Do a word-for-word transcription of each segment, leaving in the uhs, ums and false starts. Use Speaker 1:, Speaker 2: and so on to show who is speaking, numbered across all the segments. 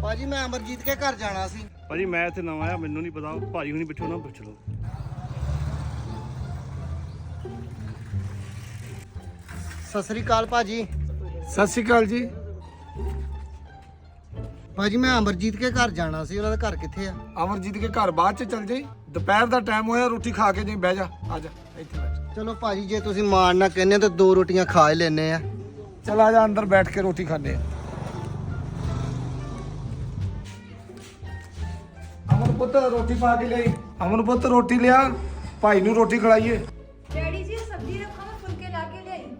Speaker 1: ਭਾਜੀ ਮੈਂ ਅਮਰਜੀਤ ਕੇ ਘਰ ਜਾਣਾ ਸੀ।
Speaker 2: ਭਾਜੀ ਮੈਂ ਇੱਥੇ ਨਵਾਂ ਆਇਆ, ਮੈਨੂੰ ਨਹੀਂ ਪਤਾ, ਭਾਜੀ ਹੁਣੀ ਪੁੱਛੋ ਨਾ ਪੁੱਛ ਲਓ।
Speaker 1: ਸਤਿ ਸ੍ਰੀ ਅਕਾਲ ਭਾਜੀ।
Speaker 3: ਸਤਿ ਸ਼੍ਰੀ ਅਕਾਲ ਜੀ।
Speaker 1: ਭਾਜੀ ਮੈਂ ਅਮਰਜੀਤ ਕੇ ਘਰ ਜਾਣਾ ਸੀ, ਉਹਨਾਂ ਦਾ ਘਰ ਕਿੱਥੇ ਆ?
Speaker 3: ਅਮਰਜੀਤ ਕੇ ਘਰ ਬਾਅਦ ਚ ਚੱਲ ਜਾਈ, ਦੁਪਹਿਰ ਦਾ ਟਾਈਮ ਹੋਇਆ, ਰੋਟੀ ਖਾ ਕੇ ਜਾਈ, ਬਹਿ ਜਾ, ਆ ਜਾ ਇੱਥੇ ਬੈਠ।
Speaker 1: ਚਲੋ ਭਾਜੀ ਜੇ ਤੁਸੀਂ ਮਾਣ ਨਾ ਕਹਿੰਦੇ ਤਾਂ ਦੋ ਰੋਟੀਆਂ ਖਾ ਹੀ ਲੈਨੇ ਆ।
Speaker 3: ਚਲ ਆ ਜਾ ਅੰਦਰ ਬੈਠ ਕੇ ਰੋਟੀ ਖਾਣੇ ਆ। ਅਮਨ ਪੁੱਤ ਰੋਟੀ ਪਾ ਕੇ ਲਈ। ਅਮਨ ਪੁੱਤ ਰੋਟੀ ਲਿਆ, ਭਾਈ ਨੂੰ ਰੋਟੀ ਖਿਲਾਈਏ।
Speaker 4: डैडी जी सब्जी रखो, मैं फुलके लाके ले आई।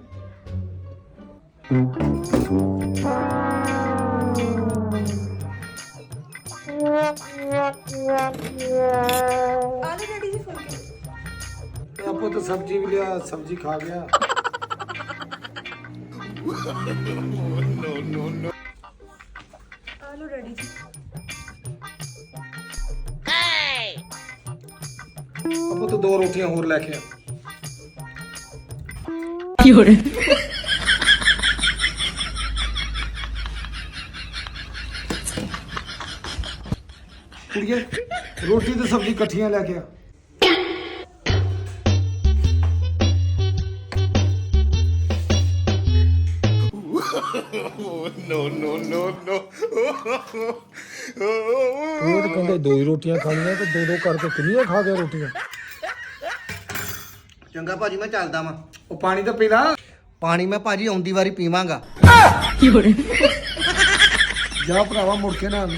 Speaker 4: आलू डैडी जी फुलके।
Speaker 3: ਆ ਪੁੱਤ ਸਬਜ਼ੀ ਵੀ ਲਿਆ, ਸਬਜ਼ੀ ਖਾ ਗਿਆ।
Speaker 4: आलू डैडी जी।
Speaker 3: ਆ ਪੁੱਤ ਦੋ ਰੋਟੀਆਂ ਹੋਰ ਲੈ ਕੇ ਆ। ਕੁੜੀਏ ਰੋਟੀ ਤੇ ਸਬਜ਼ੀ ਇਕੱਠੀਆਂ ਲੈ ਕੇ ਆ। ਉਹ ਤਾਂ ਕਹਿੰਦੇ ਦੋ ਹੀ ਰੋਟੀਆਂ ਖਾਣੀਆਂ ਤੇ ਦੋ ਦੋ ਕਰਕੇ ਕਿੰਨੀਆਂ ਖਾ ਗਿਆ ਰੋਟੀਆਂ।
Speaker 1: ਚੰਗਾ ਭਾਜੀ ਮੈਂ ਚੱਲਦਾ ਵਾਂ।
Speaker 3: ਉਹ ਪਾਣੀ ਤਾਂ ਪੀ ਲਾ।
Speaker 1: ਪਾਣੀ ਮੈਂ ਭਾਜੀ ਆਉਂਦੀ ਵਾਰੀ ਪੀਵਾਂਗਾ।
Speaker 3: ਜਾ ਭਰਾਵਾ ਮੁੜ ਕੇ ਨਾ ਆਵੀਂ।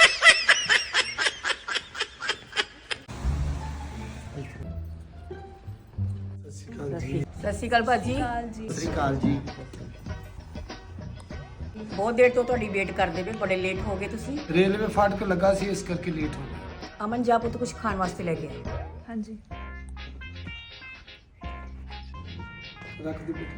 Speaker 5: ਸਤਿ ਸ਼੍ਰੀ ਅਕਾਲ ਭਾਜੀ।
Speaker 1: ਸਤਿ ਸ੍ਰੀ ਅਕਾਲ ਜੀ।
Speaker 5: ਬਹੁਤ ਦੇਰ ਤੋਂ ਤੁਹਾਡੀ ਵੇਟ ਕਰਦੇ ਪਏ, ਬੜੇ ਲੇਟ ਹੋ ਗਏ ਤੁਸੀਂ।
Speaker 3: ਰੇਲਵੇ ਫਾਟਕ ਲੱਗਾ ਸੀ, ਇਸ ਕਰਕੇ ਲੇਟ ਹੋ ਗਿਆ।
Speaker 5: ਅਮਨ ਜਾ ਪੁੱਤ ਕੁਝ ਖਾਣ ਵਾਸਤੇ ਲੈ ਕੇ ਆਏ।
Speaker 4: हाँ जी।
Speaker 3: ਰੱਖ ਦੇ ਬੇਟਾ।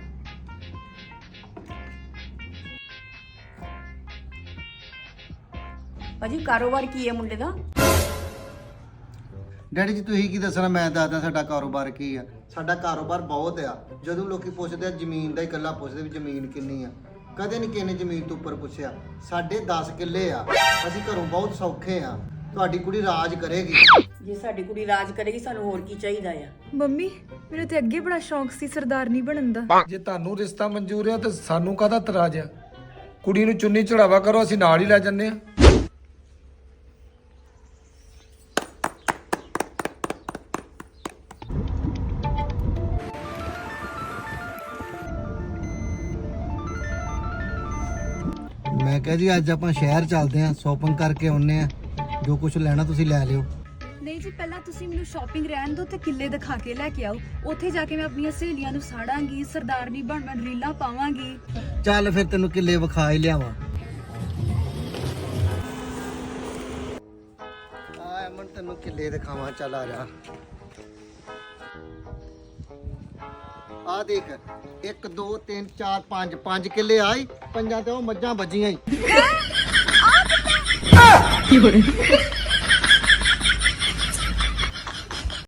Speaker 5: ਭਾਜੀ ਕਾਰੋਬਾਰ ਕੀ ਹੈ ਮੁੰਡੇ ਦਾ?
Speaker 1: ਡੈਡੀ ਜੀ ਤੁਸੀਂ ਕੀ ਦੱਸਣਾ, ਮੈਂ ਦੱਸਦਾ ਸਾਡਾ ਕਾਰੋਬਾਰ ਕੀ ਆ। ਸਾਡਾ ਕਾਰੋਬਾਰ ਬਹੁਤ ਆ। ਜਦੋਂ ਲੋਕੀ ਪੁੱਛਦੇ ਆ ਜ਼ਮੀਨ ਦਾ ਹੀ ਇਕੱਲਾ ਪੁੱਛਦੇ ਵੀ ਜ਼ਮੀਨ ਕਿੰਨੀ ਆ, ਕਦੇ ਨਹੀਂ ਕਿਸੇ ਨੇ ਜ਼ਮੀਨ ਤੋਂ ਉੱਪਰ ਪੁੱਛਿਆ। ਸਾਡੇ ਦਸ ਕਿੱਲੇ ਆ, ਅਸੀਂ ਘਰੋਂ ਬਹੁਤ ਸੌਖੇ ਆ। ਤੁਹਾਡੀ ਕੁੜੀ ਰਾਜ ਕਰੇਗੀ।
Speaker 5: ਜੇ ਸਾਡੀ ਕੁੜੀ ਰਾਜ ਕਰੇਗੀ ਸਾਨੂੰ ਹੋਰ ਕੀ ਚਾਹੀਦਾ ਆ?
Speaker 4: मम्मी मेरे ते अगे बड़ा शौक सी सरदारनी बनन दा।
Speaker 3: ਜੇ ਤੁਹਾਨੂੰ ਰਿਸ਼ਤਾ ਮਨਜ਼ੂਰ ਆ ਤਾਂ ਸਾਨੂੰ ਕਾਹਦਾ ਇਤਰਾਜ਼ ਆ? ਕੁੜੀ ਨੂੰ ਚੁੰਨੀ ਚੜਾਵਾ ਕਰੋ, ਅਸੀਂ ਨਾਲ ਹੀ ਲੈ ਜੰਨੇ ਆ।
Speaker 1: ਮੈਂ ਕਿਹਾ ਜੀ ਅੱਜ ਆਪਾਂ ਸ਼ਹਿਰ ਚੱਲਦੇ ਆਂ, ਸ਼ਾਪਿੰਗ ਕਰਕੇ ਆਉਨੇ ਆ। ਜੋ ਕੁਝ ਲੈਣਾ ਤੁਸੀਂ ਲੈ ਲਿਓ।
Speaker 4: ਨਹੀਂ ਜੀ ਪਹਿਲਾਂ ਤੁਸੀਂ ਮੈਨੂੰ ਸ਼ਾਪਿੰਗ ਰਹਿਣ ਦਿਓ ਤੇ ਕਿੱਲੇ ਦਿਖਾ ਕੇ ਲੈ ਕੇ ਆਓ। ਉੱਥੇ ਜਾ ਕੇ ਮੈਂ ਆਪਣੀਆਂ ਸਹੇਲੀਆਂ ਨੂੰ ਸਾੜਾਂਗੀ, ਸਰਦਾਰਨੀ ਬਣ ਬਣ ਰੀਲਾਂ ਪਾਵਾਂਗੀ।
Speaker 1: ਚੱਲ ਫਿਰ ਤੈਨੂੰ ਕਿੱਲੇ ਵਿਖਾ ਹੀ ਲਿਆਵਾਂ। ਆ ਅਮਨ ਤੈਨੂੰ ਕਿੱਲੇ ਦਿਖਾਵਾਂ, ਚੱਲ ਆ ਜਾ। ਆ ਦੇਖ, ਇੱਕ ਦੋ ਤਿੰਨ ਚਾਰ ਪੰਜ ਪੰਜ ਕਿੱਲੇ ਆਈ, ਪੰਜਾਂ ਤੇ ਉਹ ਮੱਝਾਂ ਵੱਜੀਆਂ ਹੀ।